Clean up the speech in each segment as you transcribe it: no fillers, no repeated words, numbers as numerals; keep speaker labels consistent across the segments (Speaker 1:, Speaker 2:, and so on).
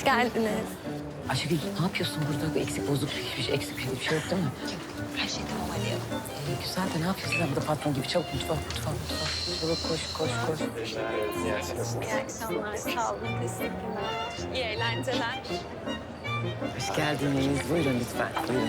Speaker 1: geldiniz.
Speaker 2: Ayşegül ne yapıyorsun burada? Eksik bozuk eksik bir şey yok değil mi?
Speaker 1: Her şey tamam hadi.
Speaker 2: Güzel de ne yapıyorsun sen burada patron gibi? Çabuk mutfağa. Çabuk koş.
Speaker 1: İyi akşamlar. Sağ olun. Teşekkürler. İyi eğlenceler.
Speaker 2: Hoş geldiniz. Buyurun lütfen. Buyurun.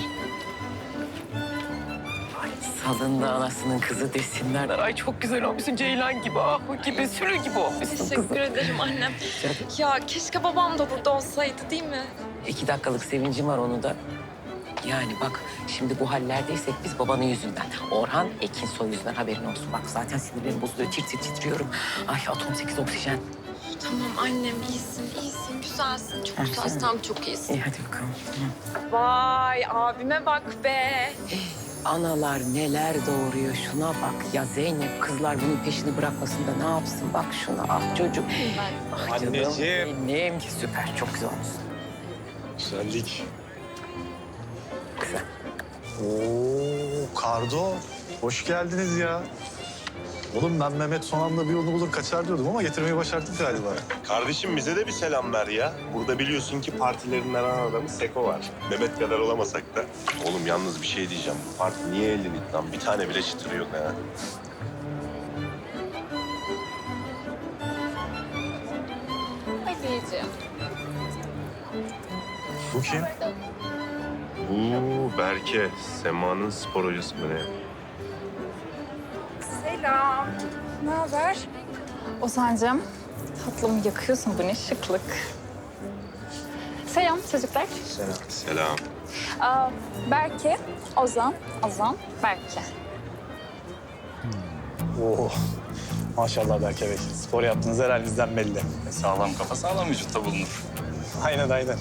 Speaker 2: Ay salında anasının kızı desinler. Ay çok güzel olmuşsun Ceylan gibi. Ah o gibi sürü gibi olmuşsun kızım.
Speaker 1: Teşekkür ederim annem. Ya keşke babam da burada olsaydı değil mi?
Speaker 2: 2 dakikalık sevincim var onu da. Yani bak şimdi bu hallerdeysek biz babanın yüzünden. Orhan Ekinsoy yüzünden haberin olsun. Bak zaten sinirlerim bozuluyor. Titriyorum. Ay atom 8 oksijen.
Speaker 1: Tamam annem iyisin, güzelsin. Çok güzelsin, tam çok iyisin.
Speaker 2: İyi hadi bakalım.
Speaker 1: Vay abime bak be.
Speaker 2: Analar neler doğuruyor şuna bak. Ya Zeynep kızlar bunun peşini bırakmasın da ne yapsın? Bak şuna ah çocuk. Ah canım
Speaker 3: Anneciğim.
Speaker 2: benim. Süper çok güzel olmuşsun.
Speaker 3: Güzellik.
Speaker 2: Güzel.
Speaker 3: Oo, Kardo. Hoş geldiniz ya. Oğlum ben Mehmet son anda bir yolunu bulur kaçar diyordum ama getirmeyi başardık galiba.
Speaker 4: Kardeşim bize de bir selam ver ya. Burada biliyorsun ki partilerinden ana adamı Seko var. Mehmet kadar olamasak da. Oğlum yalnız bir şey diyeceğim. Bu parti niye elden it lan? Bir tane bile çıtırı yok ha.
Speaker 1: Hadi
Speaker 3: Bu kim?
Speaker 4: Bu Berke. Sema'nın spor hocası mı ne?
Speaker 5: Selam. Ne haber? Ozan'cığım, tatlım yakıyorsun bu ne şıklık. Selam çocuklar.
Speaker 4: Selam.
Speaker 5: Berke, Ozan, Berke.
Speaker 3: Oo. Maşallah Berke Bey. Spor yaptığınız her halinizden belli.
Speaker 6: Sağlam kafa sağlam vücutta bulunur.
Speaker 3: Aynen.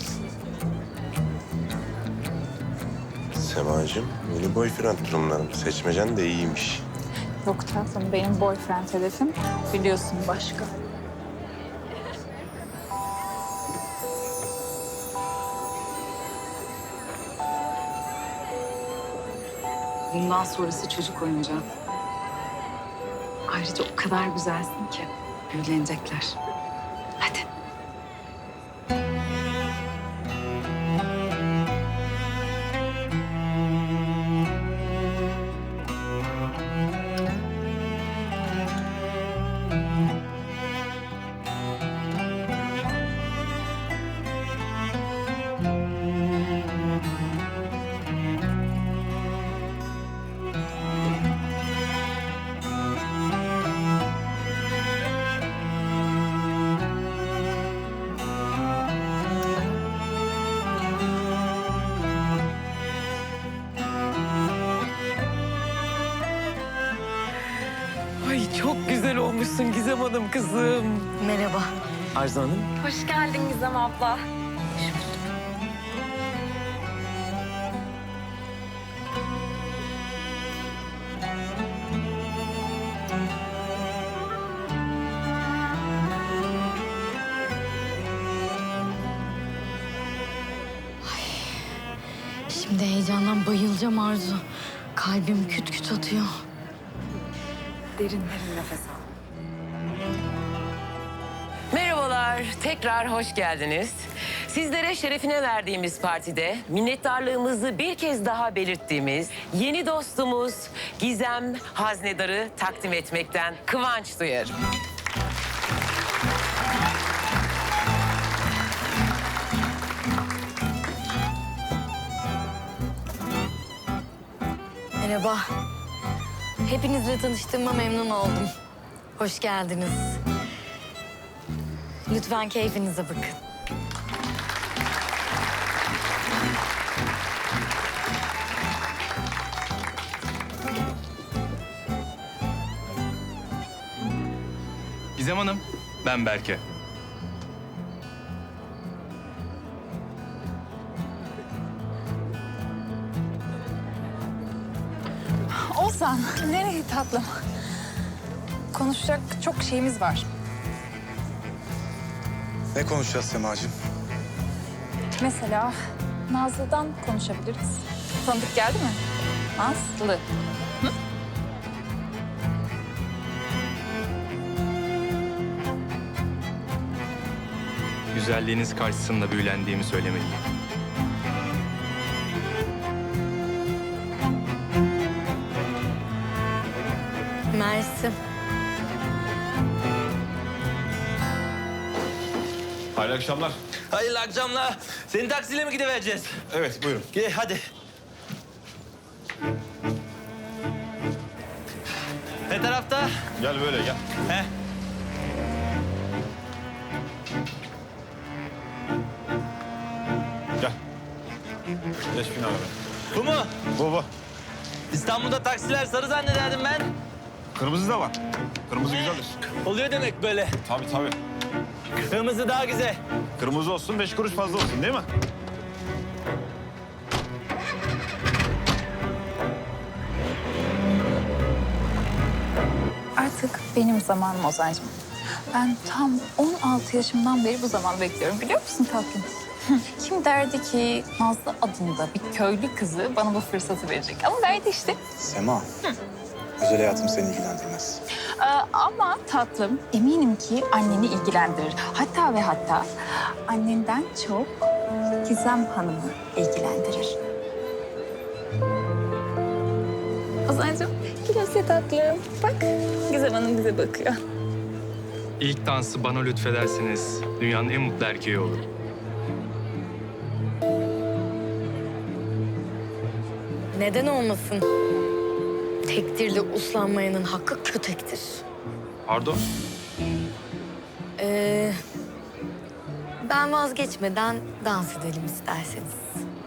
Speaker 4: Sema'cığım yeni boyfriend durumlarım. Seçmecen de iyiymiş.
Speaker 5: Yok tatlım, benim boyfriend hedefim biliyorsun başka.
Speaker 7: Bundan sonrası çocuk oyuncağı. Ayrıca o kadar güzelsin ki büyülenecekler. Hadi.
Speaker 2: Ay çok güzel olmuşsun Gizem Hanım kızım.
Speaker 1: Merhaba.
Speaker 2: Arzu Hanım.
Speaker 1: Hoş geldin Gizem abla.
Speaker 8: Şimdi heyecandan bayılacağım Arzu. Kalbim küt küt atıyor.
Speaker 7: Derin nefes al.
Speaker 2: Merhabalar, tekrar hoş geldiniz. Sizlere şerefine verdiğimiz partide minnettarlığımızı bir kez daha belirttiğimiz yeni dostumuz Gizem Haznedar'ı takdim etmekten kıvanç duyarım.
Speaker 8: Merhaba. Hepinizle tanıştığıma memnun oldum. Hoş geldiniz. Lütfen keyfinize bakın.
Speaker 6: Gizem Hanım, ben Berke.
Speaker 5: Ozan, nereye tatlım? Konuşacak çok şeyimiz var.
Speaker 3: Ne konuşacağız Sema'cığım?
Speaker 5: Mesela Nazlı'dan konuşabiliriz. Tanıdık geldi mi? Nazlı.
Speaker 6: güzelliğiniz karşısında büyülendiğimi söylemeliyim.
Speaker 8: Mersi.
Speaker 9: Hayırlı akşamlar.
Speaker 10: Hayırlı akşamlar. Seni taksiyle mi gidivereceğiz?
Speaker 9: Evet, buyurun.
Speaker 10: Gel hadi. Ne tarafta?
Speaker 9: Gel böyle gel.
Speaker 10: He.
Speaker 9: Gel. Geç bin araba.
Speaker 10: Bu mu?
Speaker 9: Bu.
Speaker 10: İstanbul'da taksiler sarı zannederdim ben.
Speaker 9: Kırmızı da var. Kırmızı güzeldir.
Speaker 10: Oluyor demek böyle.
Speaker 9: Tabii.
Speaker 10: Kırmızı daha güzel.
Speaker 9: Kırmızı olsun, 5 kuruş fazla olsun değil mi?
Speaker 5: Artık benim zamanım Ozan'cığım. Ben tam 16 yaşımdan beri bu zamanı bekliyorum biliyor musun tatlım? Kim derdi ki Nazlı adında bir köylü kızı bana bu fırsatı verecek? Ama verdi işte.
Speaker 11: Sema, özel hayatım seni ilgilendirmez.
Speaker 5: Ama tatlım eminim ki anneni ilgilendirir. Hatta ve hatta annenden çok Gizem Hanım'ı ilgilendirir. Ozan'cığım gülümse tatlım. Bak Gizem Hanım bize bakıyor.
Speaker 6: İlk dansı bana lütfederseniz dünyanın en mutlu erkeği olur.
Speaker 8: Neden olmasın? Tektirle uslanmayanın hakkı kötektir.
Speaker 6: Pardon?
Speaker 8: Ben vazgeçmeden dans edelim isterseniz.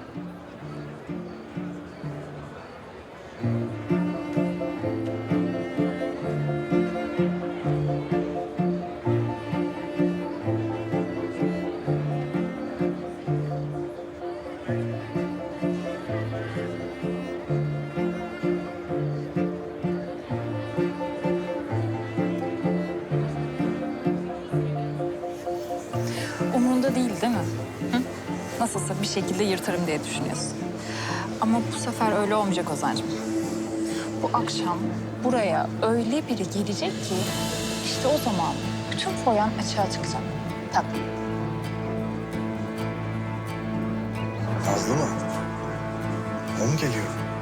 Speaker 5: Umurunda değil mi? Hı? Nasılsa bir şekilde yırtarım diye düşünüyorsun. Ama bu sefer öyle olmayacak Ozan'cığım. Bu akşam buraya öyle biri gelecek ki işte o zaman bütün foyan açığa çıkacak. Tatlım.
Speaker 11: Nazlı mı? O mu geliyor?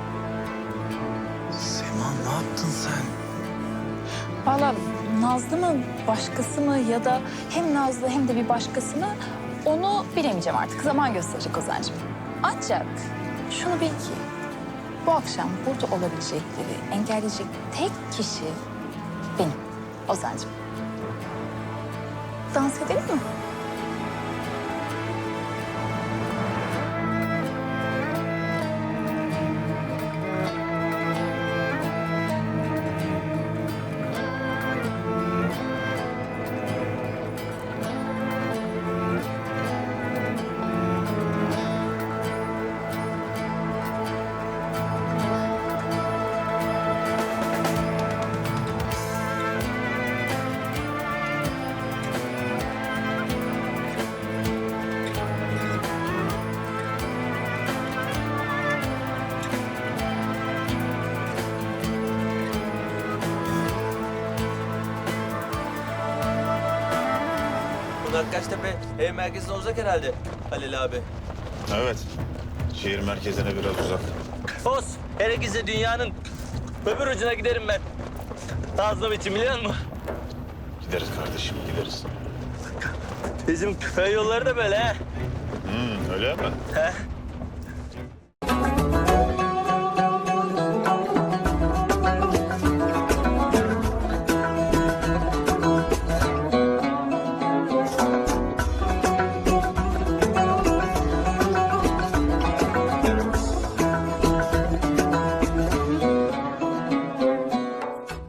Speaker 11: Sema, ne yaptın sen?
Speaker 5: Vallahi Nazlı mı, başkası mı ya da hem Nazlı hem de bir başkası mı onu bilemeyeceğim artık. Zaman gösterecek Ozan'cığım. Ancak şunu bil ki bu akşam burada olabilecekleri engelleyecek tek kişi benim Ozan'cığım. Dans edelim mi?
Speaker 10: Bunlar Kaştepe ev merkezine uzak herhalde Halil abi.
Speaker 9: Evet. Şehir merkezine biraz uzak.
Speaker 10: Olsun. Gerekirse dünyanın öbür ucuna giderim ben. Nazlım için biliyor musun?
Speaker 9: Gideriz kardeşim, gideriz.
Speaker 10: Bizim köy yolları da böyle ha.
Speaker 9: Öyle mi?
Speaker 10: He.